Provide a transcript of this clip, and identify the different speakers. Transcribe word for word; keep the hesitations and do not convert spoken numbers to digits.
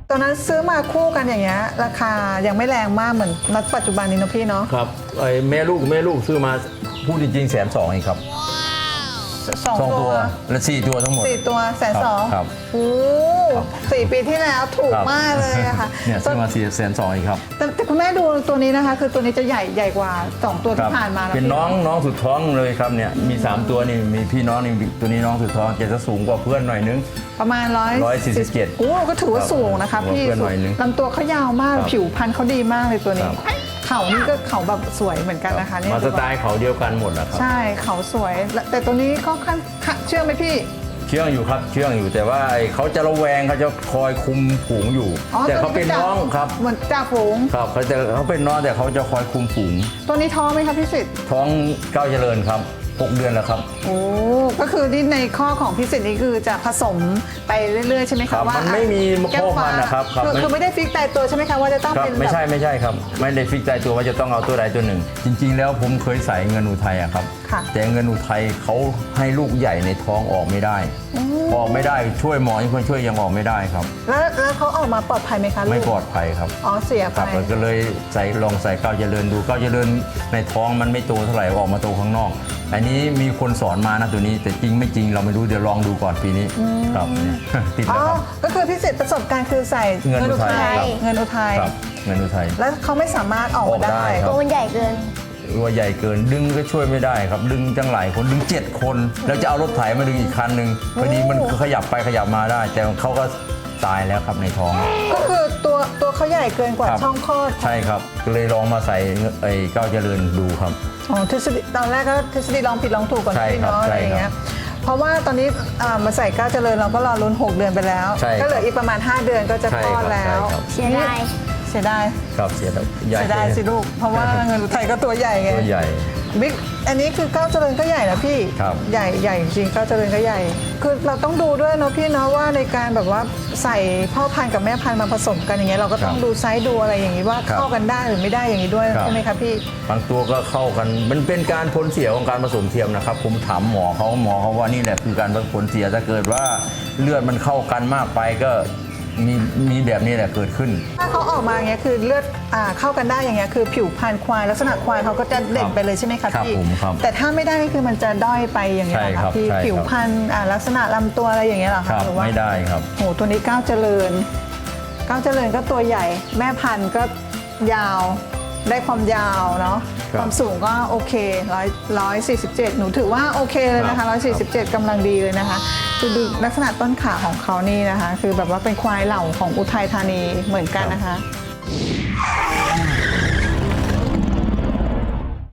Speaker 1: ตอนนั้นซื้อมาคู่กันอย่างเงี้ยราคายังไม่แรงมากเหมือนณปัจจุบันนี้นะพี่เนาะ
Speaker 2: ครับไอ้แม่ลูกแม่ลูกซื้อมาพูดจริงๆแสนสองเองครับ
Speaker 1: สอง
Speaker 2: สอง
Speaker 1: ตั
Speaker 2: ตัว วและสี่ตัวทั้งหมด
Speaker 1: สี่ตัวแสนสอง
Speaker 2: ครับ
Speaker 1: โอ้สี่ปีที่แล้วถูกมากเลยอะค่ะ
Speaker 2: เนี่ยซื้อมาสี่แสนสองเองครับ
Speaker 1: แต่แต่คุณแม่ดูตัวนี้นะคะ คือตัวนี้จะใหญ่ใหญ่กว่าสองตัวที่ผ่านมาแล้ว
Speaker 2: เป็น
Speaker 1: พี่
Speaker 2: น้องน้องสุดท้องเลยครับเนี่ยมีสามตัวนี่มีพี่น้องนี่ตัวนี้น้องสุดท้องจะสูงกว่าเพื่อนหน่อยนึง
Speaker 1: ประมาณร้อย
Speaker 2: ร้อยสี่สิบเจ็ด
Speaker 1: โอ้ก็ถือว่าสูงนะคะ
Speaker 2: ครับ
Speaker 1: พี่
Speaker 2: เพื่อนหน่อยนึง
Speaker 1: ลำตัวเขายาวมาก
Speaker 2: ครับ
Speaker 1: ผิวพรรณเขาดีมากเลยตัวนี้
Speaker 2: ครับ
Speaker 1: เขานี่ก็เขาแบบสวยเหมือนกันนะคะเนี่ย
Speaker 2: มาสไตล์เขาเดียวกันหมดแหละครับ
Speaker 1: ใช่เขาสวยและแต่ตัวนี้ก็ค่อนข้างเชื่อไหมพี่
Speaker 2: เชื่องอยู่ครับเชื่องอยู่แต่ว่าไอ้เขาจะระแวงเขาจะคอยคุมฝูงอยู่ แต่เขาเป็นน้องครับ
Speaker 1: เหมือนจ่าฝูง
Speaker 2: ครับเขาจะเขาเป็นน้องแต่เขาจะคอยคุมฝูง
Speaker 1: ตัวนี้ท้องไหมครับพี่สิทธิ์
Speaker 2: ท้องเก้าวเจริญครับหกเดือนแล้วครับ
Speaker 1: โอ้ก็คือที่ในข้อของพี่สิทธิ์นี่คือจะผสมไปเรื่อยๆใช่ไหม
Speaker 2: ครั
Speaker 1: คะ
Speaker 2: บ
Speaker 1: ว่า
Speaker 2: มันไม่มี
Speaker 1: แก้ว
Speaker 2: ข้อ
Speaker 1: ฟ้า
Speaker 2: มันนะครับครับ
Speaker 1: คือ
Speaker 2: ไม่
Speaker 1: คือไม่ได้ฟิกตายตัวใช่ไหมคะว่าจะต้อง
Speaker 2: ครับ
Speaker 1: เป็น
Speaker 2: ไม่ใช่
Speaker 1: แบบ
Speaker 2: ไม่ใช่ครับไม่ได้ฟิกใจตัวว่าจะต้องเอาตัวใดตัวหนึ่ง จริง ๆ แล้วผมเคยใส่เงินอุทัยอะครับ
Speaker 1: ค่ะ
Speaker 2: แต่เงินอุทัยเขาให้ลูกใหญ่ในท้องออกไม่ได้ ออกไม่ได้ช่วยหมอที่คนช่วยยังออกไม่ได้ครับ
Speaker 1: แล้วแล้วเขาออกมาปลอดภัยไหมคะลูก
Speaker 2: ไม่ปลอดภัยครับ
Speaker 1: อ๋อเสีย
Speaker 2: ค
Speaker 1: ไป
Speaker 2: รับก็เลยใส่ลองใส่ก้าวเจริญดูก้าวเจริญในท้องมันไม่โตเท่าไหร่ออกมาโตข้างนอก อันนี้มีคนสอนมานะตัวนี้แต่จริงไม่จริงเราไม่รู้เดี๋ยวลองดูก่อนปีนี้ครับเนี่ย ติด
Speaker 1: อ๋อ
Speaker 2: แล้วครับ
Speaker 1: ก็คือพี่สิทธิ์ประสบการณ์คือใส่
Speaker 2: เงินอุทัยครับ
Speaker 1: เงินอุทัย
Speaker 2: ครับเงินอุทัย
Speaker 1: แล้วเขาไม่สามารถออก
Speaker 2: อ
Speaker 1: มา
Speaker 2: อกได้
Speaker 1: ได้
Speaker 2: ครับ
Speaker 3: ตัวมันใหญ่เกิน
Speaker 2: ตัวใหญ่เกินดึงก็ช่วยไม่ได้ครับ ดึงจังหลายคนดึงเจ็ดคน แล้วจะเอารถไถมาดึงอีกคันหนึ่งพอดีมันขยับไปขยับมาได้ แต่เขาก็ตายแล้วครับในท้อง
Speaker 1: ก็คือตัวตัวเขาใหญ่เกินกว่า
Speaker 2: ครับ
Speaker 1: ช่องคลอด
Speaker 2: ใช่ครับก็เลยลองมาใส่ไอ้ก้าวเจริญดูครับ
Speaker 1: อ๋อทฤษฎีตอนแรกก็ทฤษฎีลองผิดลองถูกก่อน
Speaker 2: ใช่
Speaker 1: พี่
Speaker 2: ครับ
Speaker 1: เนาะอะไรอย่าง
Speaker 2: ใช่
Speaker 1: เงี้
Speaker 2: ครั
Speaker 1: ย
Speaker 2: บ
Speaker 1: เพราะว่าตอนนี้อ่ามาใส่ก้าวเจริญเราก็รอลุ้นหกเดือนไปแล้ว
Speaker 2: ใช่ครับ
Speaker 1: ก็เหลืออีกประมาณห้าเดือนก็จะ
Speaker 2: ใช่
Speaker 1: คลอด
Speaker 2: ครับ
Speaker 1: แล้ว
Speaker 2: ใช่ครับ
Speaker 3: เสียดาย
Speaker 1: เสียดาย
Speaker 2: ครับเสียดายใหญ่
Speaker 1: เสียดายสิลูกเพราะว่าเงินอุทัยก็ตัวใหญ่ไง
Speaker 2: ตัวใหญ่
Speaker 1: บิ๊กอันนี้คือก้าวเจริญก็ใหญ่นะพี่
Speaker 2: ครับ
Speaker 1: ใหญ่ใหญ่จริงก้าวเจริญก็ใหญ่ คือเราต้องดูด้วยเนาะพี่เนาะว่าในการแบบว่าใส่พ่อพันธุ์กับแม่พันธุ์มาผสมกันอย่างเงี้ยเราก็ต้อง
Speaker 2: ครับ
Speaker 1: ดูไซส์ดูอะไรอย่างงี้ว่า
Speaker 2: ครับ
Speaker 1: เข้ากันได้หรือไม่ได้อย่างงี้ด้วย
Speaker 2: ครับ
Speaker 1: ใช่ไหมคะพี่
Speaker 2: บางตัวก็เข้ากันมันเป็นการผลเสียของการผสมเทียมนะครับ ผมถามหมอเขาหมอเขาว่านี่แหละคือการผลเสียถ้าเกิดว่าเลือดมันเข้ากันมากไปก็มีมีแบบนี้แหละเกิดขึ้น
Speaker 1: ถ้าเขาออกมาอย่างเงี้ยคือเลือดอ่าเข้ากันได้อย่างเงี้ยคือผิวพรรณควายลักษณะควายเขาก็จะเด่นไปเลยใช่ไหมคะ
Speaker 2: ครับ
Speaker 1: พี่
Speaker 2: ผมครับ
Speaker 1: แต่ถ้าไม่ได้คือมันจะด้อยไปอย่างเงี้ยเหรอ
Speaker 2: ใช่ครั
Speaker 1: คะ
Speaker 2: บ
Speaker 1: พี่
Speaker 2: ใช่ครับ
Speaker 1: ผิวพรรณอ่าลักษณะลำตัวอะไรอย่างเงี้ยเหรอ
Speaker 2: ค
Speaker 1: คะ
Speaker 2: รับ
Speaker 1: หรือว่า
Speaker 2: ไม่ได้ครับ
Speaker 1: โหตัวนี้ก้าวเจริญก้าวเจริญก็ตัวใหญ่ แม่พันธุ์ก็ยาวได้ความยาวเนาะ
Speaker 2: ครับ
Speaker 1: ความสูงก็โอเคร้อยร้อยสี่สิบเจ็ดหนูถือว่าโอเคเลยนะคะร้อยสี่สิบเจ็ดกำลังดีเลยนะคะคือดูลักษณะต้นขาของเขานี่นะคะ คือแบบว่าเป็นควายเหล่าของอุทัยธานีเหมือนกันนะคะ